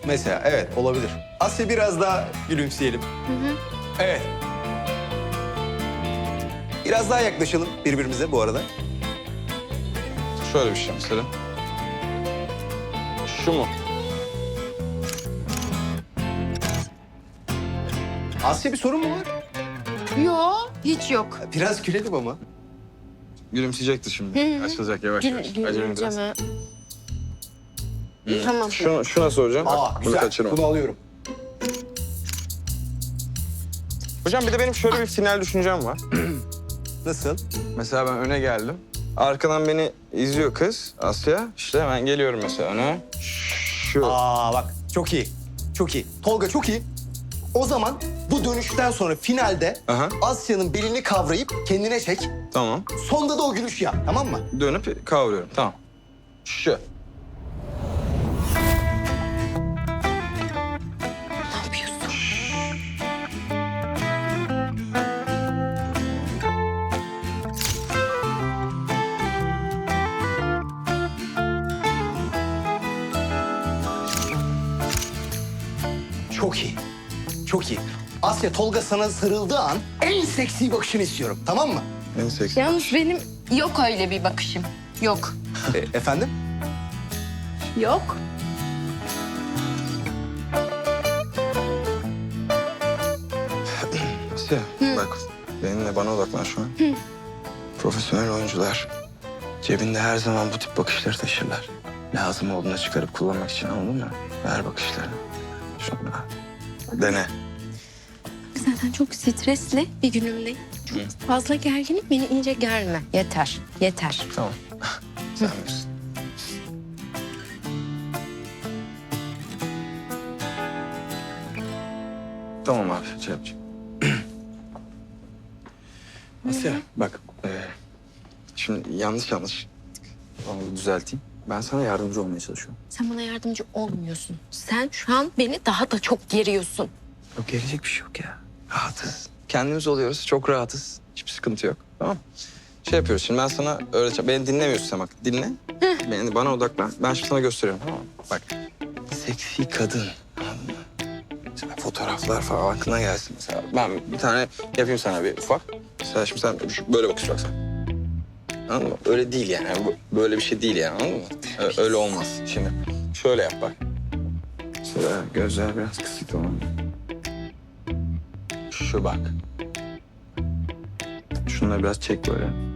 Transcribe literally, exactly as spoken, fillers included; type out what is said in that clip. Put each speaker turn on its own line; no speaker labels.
Mesela evet olabilir. Asya biraz daha gülümseyelim.
Hı hı.
Evet. Biraz daha yaklaşalım birbirimize bu arada.
Şöyle bir şey mesela. Şu mu?
Asya bir sorun mu var?
Yo, hiç yok.
Biraz gülelim ama.
Gülümseyecekti şimdi.
Hı hı.
Açılacak yavaş
Gül,
yavaş. Acele biraz.
güleceğim ha. Tamam.
Şunu, şuna soracağım.
Aa
Bunu
güzel.
kaçırma.
Bunu alıyorum.
Hocam bir de benim şöyle bir final düşüncem var.
Nasıl?
Mesela ben öne geldim. Arkadan beni izliyor kız Asya. İşte hemen geliyorum mesela öne. Şu.
Aa bak çok iyi. Çok iyi. Tolga çok iyi. O zaman bu dönüşten sonra finalde
Aha.
Asya'nın belini kavrayıp kendine çek.
Tamam.
Sonda da o gülüşü yap, tamam mı?
Dönüp kavruyorum. Tamam. Şu.
Ne yapıyorsun?
Çok iyi. Çok iyi. Asya, Tolga sana sarıldığı an en seksi bakışını istiyorum, tamam mı?
En seksi.
Yalnız benim yok öyle bir bakışım. Yok.
E, efendim?
Yok.
Asya bak benimle bana odaklan şu an. Profesyonel oyuncular cebinde her zaman bu tip bakışları taşırlar. Lazım olduğunda çıkarıp kullanmak için, anladın mı? Ver bakışlarını. Şuna. Dene.
Zaten çok stresli bir günümdeyim. Çok fazla gerginlik beni iyice germe. Yeter, yeter.
Tamam. Sen bilirsin. Tamam abi, şey yapacağım. Asya, bak. E, şimdi yanlış yanlış. Onu düzelteyim. Ben sana yardımcı olmaya çalışıyorum.
Sen bana yardımcı olmuyorsun. Sen şu an beni daha da çok geriyorsun.
Yok, gelecek bir şey yok ya. Rahatız. Kendimiz oluyoruz, çok rahatız. Hiçbir sıkıntı yok, tamam mı? Şey yapıyoruz şimdi, ben sana öğreteceğim. Beni dinlemiyorsun sen, bak. Dinle. Beni, bana odaklan. Ben şimdi sana gösteriyorum, tamam mı? Bak, seksi kadın. Anladın mı? Mesela fotoğraflar falan aklına gelsin mesela. Ben bir tane yapayım sana bir ufak. Mesela şimdi sen şu- böyle bakacaksın. Anladın mı? Öyle değil yani. Bu- Böyle bir şey değil yani, anladın mı? Ö- Öyle olmaz. Şimdi şöyle yap bak. Mesela gözler biraz kısık, tamam mı? Şu bak. Şunları biraz çek böyle.